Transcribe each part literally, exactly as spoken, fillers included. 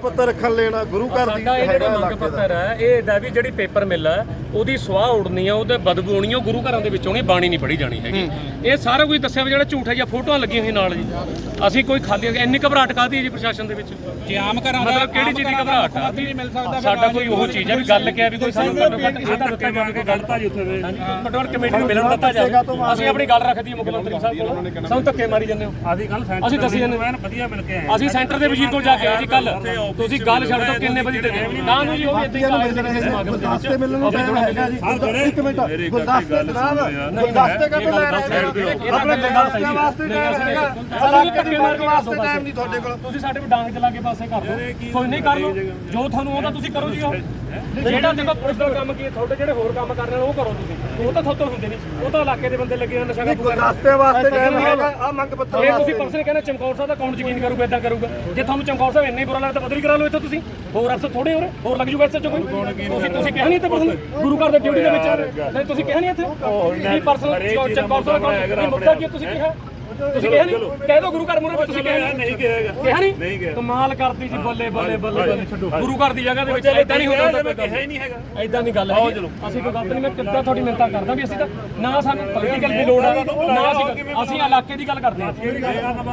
ਪੱਤਰ ਰੱਖਣ ਲੈਣਾ ਗੁਰੂ ਘਰ ਦੀ ਸਾਡਾ ਇਹ ਜਿਹੜਾ ਮੰਗ ਪੱਤਰ ਹੈ ਇਹ ਇਹਦਾ ਵੀ ਜਿਹੜੀ ਪੇਪਰ ਮਿਲ ਹੈ ਉਹਦੀ ਸਵਾਹ ਉੜਨੀ ਆ ਉਹਦੇ ਬਦਬੂ ਆਉਣੀ ਉਹ ਗੁਰੂ ਘਰਾਂ ਦੇ ਵਿੱਚ ਆਉਣੀ ਬਾਣੀ ਨਹੀਂ ਪੜ੍ਹੀ ਜਾਣੀ ਹੈਗੀ। ਇਹ ਸਾਰਾ ਕੁਝ ਦੱਸਿਆ ਵੀ ਜਿਹੜਾ ਝੂਠ ਹੈ ਜਾਂ ਫੋਟੋਆਂ ਲੱਗੀਆਂ ਹੋਈਆਂ ਨਾਲ ਜੀ। ਅਸੀਂ ਕੋਈ ਖਾਲੀ ਇੰਨੀ ਘਬਰਾਹਟ ਕਾਹਦੀ ਹੈ ਜੀ ਪ੍ਰਸ਼ਾਸਨ ਦੇ ਵਿੱਚ? ਜੇ ਆਮ ਘਰਾਂ ਮਤਲਬ ਕਿਹੜੀ ਚੀਜ਼ ਦੀ ਘਬਰਾਹਟ ਆ? ਮਿਲ ਸਕਦਾ ਸਾਡਾ ਕੋਈ ਉਹ ਚੀਜ਼ ਹੈ ਵੀ ਗੱਲ ਕਿਹਾ ਵੀ ਕੋਈ ਸਾਨੂੰ ਘੱਟੋ ਘੱਟ ਇਹ ਤਾਂ ਦਿੱਤਾ ਜਾਵੇ ਕੋਈ ਗਲਤਾ ਜੀ ਉੱਥੇ ਦੇ ਪਟਵਾਰ ਕਮੇਟੀ ਨੂੰ ਮਿਲਣ ਦਿੱਤਾ ਜਾਵੇ। ਅਸੀਂ ਆਪਣੀ ਗੱਲ ਰੱਖਦੀ ਹੈ ਮੁੱਖ ਮੰਤਰੀ ਸਾਹਿਬ ਕੋਲ, ਸਾਨੂੰ ਧੱਕੇ ਮਾਰੀ ਜਾਂਦੇ ਹੋ। ਅਸੀਂ ਕੱਲ ਅਸੀਂ ਦੱਸੀ ਜਾਂਦੇ ਵਧੀਆ ਮਿਲ ਕੇ ਆਏ। ਅਸੀਂ ਸੈਂਟਰ ਦੇ ਵਜ਼ੀਰ ਕੋਲ ਜਾ ਕੇ ਆਏ ਜੀ ਕੱਲ। ਤੁਸੀਂ ਗੱਲ ਛੱਡ ਦਿਓ ਕਿੰਨੇ ਵਜੇ ਤੱਕ ਨਾ ਨੂੰ ਜੀ ਉਹ ਵੀ ਇੱਦਾਂ ਹੀ ਕਾਲੇ ਦੇ ਸਮਾਗਮ ਦੇ ਵਿੱਚ ਮਿਲਣ ਨੂੰ ਟਾਈਮ ਹੈਗਾ ਜੀ। ਇੱਕ ਮਿੰਟ ਗੁਲਦਸਤੇ ਜਨਾਬ ਗੁਲਦਸਤੇ ਕਦੋਂ ਲੈ ਰਹੇ ਹੋ? ਆਪਣੇ ਗੁਲਦਸਤੇ ਵਾਸਤੇ ਟਾਈਮ ਹੈਗਾ, ਸਾਡਾ ਧੱਕੇ ਮਾਰਨ ਵਾਸਤੇ ਟਾਈਮ ਨਹੀਂ ਤੁਹਾਡੇ ਕੋਲ। ਤੁਸੀਂ ਸਾਡੇ ਕੋਲ ਡਾਂਗ ਚਲਾ ਕੇ ਪਾਸੇ ਕਰ ਦਿਓ, ਕੋਈ ਨਹੀਂ ਕਰ ਲਓ ਜੋ ਤੁਹਾਨੂੰ ਆਉਂਦਾ ਤੁਸੀਂ ਕਰੋ ਜੀ। ਉਹ ਜਿਹੜਾ ਦੇਖੋ ਪੁਲਿਸ ਦਾ ਕੰਮ ਕੀ ਹੈ, ਤੁਹਾਡੇ ਜਿਹੜੇ ਹੋਰ ਕੰਮ ਕਰਨੇ ਉਹ ਕਰੋ ਤੁਸੀਂ। ਉਹ ਤਾਂ ਤੁਹਾਤੋਂ ਹੁੰਦੇ ਨਹੀਂ, ਉਹ ਤਾਂ ਇਲਾਕੇ ਦੇ ਬੰਦੇ ਲੱਗੇ ਹੋਏ ਨਸ਼ਾ ਕਾਬੂ ਕਰਨ। ਗੁਲਦਸਤੇ ਵਾਸਤੇ ਟਾਈਮ ਹੈਗਾ। ਆ ਮੰਗ ਪੱਤਰ ਇਹ ਤੁਸੀਂ ਪਰਸਨ ਕਹਿੰਦੇ ਚਮਕੌਰ ਸਾਹਿਬ ਦਾ ਕੌਣ ਯਕੀਨ ਕਰੂਗਾ ਇਦਾਂ ਕਰੂਗਾ? ਜੇ ਤੁਹਾਨੂੰ ਚਮਕੌਰ ਸਾਹਿਬ ਇੰਨੇ ਬੁਰਾ ਲੱਗਦਾ ਬਦਲੀ ਕਰਾ ਲਓ ਇੱਥੇ ਤੁਸੀਂ। ਹੋਰ ਅਫਸਰ ਥੋੜੇ ਹੋਰ ਹੋਰ ਲੱਗ ਜੂਗਾ ਇੱਥੇ ਚ ਕੋਈ। ਤੁਸੀਂ ਤੁਸੀਂ ਕਿਹਾ ਨਹੀਂ ਇੱਥੇ ਪਰਸਨ ਗੁਰੂ ਘਰ ਦੇ ਡਿਊਟੀ ਦੇ ਵਿੱਚ ਨਹੀਂ ਤੁਸੀਂ ਕਿਹਾ ਨਹੀਂ ਇੱਥੇ ਕੀ ਪਰਸਨ ਚਮਕੌਰ ਸਾਹਿਬ ਦਾ ਮੁੱਦਾ ਕੀ ਤੁਸੀਂ ਕਿਹਾ? ਤੁਸੀਂ ਕਿਹਾ ਨਹੀਂ? ਕਹਿ ਦੋ ਗੁਰੂ ਘਰ ਮੂਹਰੇ ਤੁਸੀਂ ਕਿਹਾ ਨਹੀਂ ਕਿਹਾ ਨਹੀਂ? ਕਮਾਲ ਕਰਦੀ ਜੀ। ਬੱਲੇ ਬੱਲੇ ਬੱਲੇ ਬੱਲੇ ਛੱਡੋ ਗੁਰੂ ਘਰ ਦੀ ਜਗ੍ਹਾ ਦੇ ਵਿੱਚ ਇਦਾਂ ਨਹੀਂ ਹੁੰਦਾ। ਮੈਂ ਕਿਹਾ ਹੀ ਨਹੀਂ ਹੈਗਾ ਇਦਾਂ ਨਹੀਂ ਗੱਲ ਹੈ। ਅਸੀਂ ਕੋਈ ਗਲਤ ਨਹੀਂ, ਮੈਂ ਕਿੱਦਾਂ ਤੁਹਾਡੀ ਮਿੰਨਤਾਂ ਕਰਦਾ ਵੀ ਅਸੀਂ ਤਾਂ ਨਾ ਸਾਨੂੰ ਪੋਲੀਟੀਕਲ ਦੀ ਲੋੜ ਹੈ ਨਾ ਅਸੀਂ ਅਸੀਂ ਇਲਾਕੇ ਦੀ ਗੱਲ ਕਰਦੇ ਹਾਂ। ਠੀਕ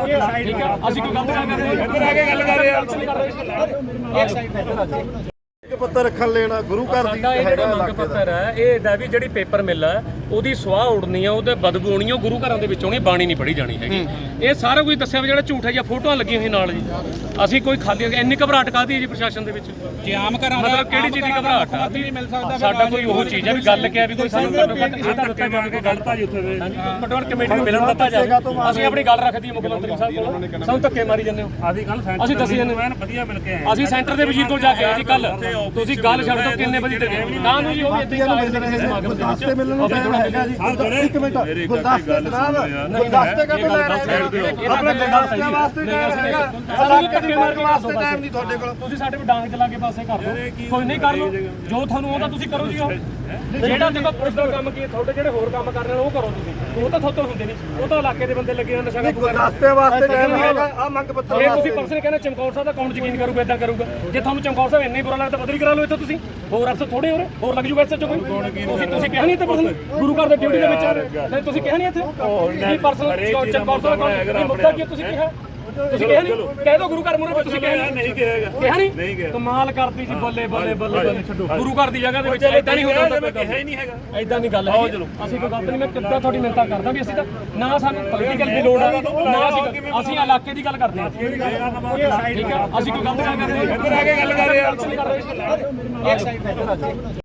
ਹੈ ਅਸੀਂ ਕੋਈ ਗਲਤ ਗੱਲ ਕਰਦੇ ਇੱਧਰ ਆ ਕੇ ਗੱਲ ਕਰ ਰਹੇ ਹਾਂ। ਇੱਕ ਸਾਈਡ ਪੱਤਰ ਰੱਖਣ ਲੈਣਾ ਗੁਰੂ ਘਰ ਦੀ ਸਾਡਾ ਇਹ ਜਿਹੜਾ ਮੰਗ ਪੱਤਰ ਹੈ ਇਹ ਇਹਦਾ ਵੀ ਜਿਹੜੀ ਪੇਪਰ ਮਿਲ ਹੈ ਉਹਦੀ ਸਵਾਹ ਉੜਨੀ ਆ ਉਹਦੇ ਬਦਬੂ ਆਉਣੀ ਉਹ ਗੁਰੂ ਘਰਾਂ ਦੇ ਵਿੱਚ ਆਉਣੀ ਬਾਣੀ ਨਹੀਂ ਪੜ੍ਹੀ ਜਾਣੀ ਹੈਗੀ। ਇਹ ਸਾਰਾ ਕੁਝ ਦੱਸਿਆ ਵੀ ਜਿਹੜਾ ਝੂਠ ਹੈ ਜਾਂ ਫੋਟੋਆਂ ਲੱਗੀਆਂ ਹੋਈਆਂ ਨਾਲ ਜੀ। ਅਸੀਂ ਕੋਈ ਖਾਲੀ ਇੰਨੀ ਘਬਰਾਹਟ ਕਾਹਦੀ ਹੈ ਜੀ ਪ੍ਰਸ਼ਾਸਨ ਦੇ ਵਿੱਚ? ਜੇ ਆਮ ਘਰਾਂ ਮਤਲਬ ਕਿਹੜੀ ਚੀਜ਼ ਦੀ ਘਬਰਾਹਟ ਆ? ਮਿਲ ਸਕਦਾ ਸਾਡਾ ਕੋਈ ਉਹ ਚੀਜ਼ ਹੈ ਵੀ ਗੱਲ ਕਿਹਾ ਵੀ ਕੋਈ ਸਾਨੂੰ ਘੱਟੋ ਘੱਟ ਇਹ ਤਾਂ ਦਿੱਤਾ ਜਾਵੇ ਕੋਈ ਗਲਤਾ ਜੀ ਉੱਥੇ ਦੇ ਪਟਵਾਰ ਕਮੇਟੀ ਨੂੰ ਮਿਲਣ ਦਿੱਤਾ ਜਾਵੇ। ਅਸੀਂ ਆਪਣੀ ਗੱਲ ਰੱਖਦੀ ਹੈ ਮੁੱਖ ਮੰਤਰੀ ਸਾਹਿਬ ਕੋਲ, ਸਾਨੂੰ ਧੱਕੇ ਮਾਰੀ ਜਾਂਦੇ ਹੋ। ਅਸੀਂ ਕੱਲ ਅਸੀਂ ਦੱਸੀ ਜਾਂਦੇ ਵਧੀਆ ਮਿਲ ਕੇ ਆਏ। ਅਸੀਂ ਸੈਂਟਰ ਦੇ ਵਜ਼ੀਰ ਕੋਲ ਜਾ ਕੇ ਆਏ ਜੀ ਕੱਲ। ਤੁਸੀਂ ਗੱਲ ਛੱਡ ਦਿਓ ਕਿੰਨੇ ਵਜੇ ਤੱਕ ਨਾ ਨੂੰ ਜੀ ਉਹ ਵੀ ਇੱਦਾਂ ਹੀ ਕਾਲੇ ਦੇ ਸਮਾਗਮ ਦੇ ਵਿੱਚ ਮਿਲਣ ਨੂੰ ਟਾਈਮ ਹੈਗਾ ਜੀ। ਇੱਕ ਮਿੰਟ ਗੁਲਦਸਤੇ ਜਨਾਬ ਗੁਲਦਸਤੇ ਕਦੋਂ ਲੈ ਰਹੇ ਹੋ? ਆਪਣੇ ਗੁਲਦਸਤੇ ਵਾਸਤੇ ਟਾਈਮ ਹੈਗਾ, ਸਾਡਾ ਧੱਕੇ ਮਾਰਨ ਵਾਸਤੇ ਟਾਈਮ ਨਹੀਂ ਤੁਹਾਡੇ ਕੋਲ। ਤੁਸੀਂ ਸਾਡੇ ਕੋਲ ਡਾਂਗ ਚਲਾ ਕੇ ਪਾਸੇ ਕਰ ਦਿਓ, ਕੋਈ ਨਹੀਂ ਕਰ ਲਓ ਜੋ ਤੁਹਾਨੂੰ ਆਉਂਦਾ ਤੁਸੀਂ ਕਰੋ ਜੀ। ਉਹ ਜਿਹੜਾ ਦੇਖੋ ਪੁਲਿਸ ਦਾ ਕੰਮ ਕੀ ਹੈ, ਤੁਹਾਡੇ ਜਿਹੜੇ ਹੋਰ ਕੰਮ ਕਰਨੇ ਉਹ ਕਰੋ ਤੁਸੀਂ। ਉਹ ਤਾਂ ਤੁਹਾਤੋਂ ਹੁੰਦੇ ਨਹੀਂ, ਉਹ ਤਾਂ ਇਲਾਕੇ ਦੇ ਬੰਦੇ ਲੱਗੇ ਹੋਏ ਨਸ਼ਾ ਕਾਬੂ ਕਰਨ। ਗੁਲਦਸਤੇ ਵਾਸਤੇ ਟਾਈਮ ਹੈਗਾ। ਆ ਮੰਗ ਪੱਤਰ ਇਹ ਤੁਸੀਂ ਪਰਸਨ ਕਹਿੰਦੇ ਚਮਕੌਰ ਸਾਹਿਬ ਦਾ ਕੌਣ ਯਕੀਨ ਕਰੂਗਾ ਇਦਾਂ ਕਰੂਗਾ? ਜੇ ਤੁਹਾਨੂੰ ਚਮਕੌਰ ਸਾਹਿਬ ਇੰਨੇ ਬੁਰਾ ਲੱਗਦਾ ਬਦਲੀ ਕਰਾ ਲਓ ਇੱਥੇ ਤੁਸੀਂ। ਹੋਰ ਅਫਸਰ ਥੋੜੇ ਹੋਰ ਹੋਰ ਲੱਗ ਜੂਗਾ ਇੱਥੇ ਚ ਕੋਈ। ਤੁਸੀਂ ਤੁਸੀਂ ਕਿਹਾ ਨਹੀਂ ਇੱਥੇ ਪਰਸਨ ਗੁਰੂ ਘਰ ਦੇ ਡਿਊਟੀ ਦੇ ਵਿੱਚ ਨਹੀਂ ਤੁਸੀਂ ਕਿਹਾ ਨਹੀਂ ਇੱਥੇ ਕੀ ਪਰਸਨ ਚਮਕੌਰ ਸਾਹਿਬ ਦਾ ਮੁੱਦਾ ਕੀ ਤੁਸੀਂ ਕਿਹਾ? ਤੁਸੀਂ ਕਿਹਾ ਨਹੀਂ? ਕਹਿ ਦੋ ਗੁਰੂ ਘਰ ਮੂਹਰੇ ਤੁਸੀਂ ਕਿਹਾ ਨਹੀਂ ਕਿਹਾ ਨਹੀਂ? ਕਮਾਲ ਕਰਦੀ ਜੀ। ਬੱਲੇ ਬੱਲੇ ਬੱਲੇ ਬੱਲੇ ਛੱਡੋ ਗੁਰੂ ਘਰ ਦੀ ਜਗ੍ਹਾ ਦੇ ਵਿੱਚ ਇਦਾਂ ਨਹੀਂ ਹੁੰਦਾ। ਮੈਂ ਕਿਹਾ ਹੀ ਨਹੀਂ ਹੈਗਾ ਇਦਾਂ ਨਹੀਂ ਗੱਲ ਹੈ। ਅਸੀਂ ਕੋਈ ਗਲਤ ਨਹੀਂ, ਮੈਂ ਕਿੱਦਾਂ ਤੁਹਾਡੀ ਮਿੰਨਤਾਂ ਕਰਦਾ ਵੀ ਅਸੀਂ ਤਾਂ ਨਾ ਸਾਨੂੰ ਪੋਲੀਟੀਕਲ ਦੀ ਲੋੜ ਹੈ ਨਾ ਅਸੀਂ ਅਸੀਂ ਇਲਾਕੇ ਦੀ ਗੱਲ ਕਰਦੇ ਹਾਂ। ਠੀਕ ਹੈ ਅਸੀਂ ਕੋਈ ਗਲਤ ਗੱਲ ਕਰਦੇ ਇੱਧਰ ਆ ਕੇ ਗੱਲ ਕਰ ਰਹੇ ਹਾਂ। ਇੱਕ ਸਾਈਡ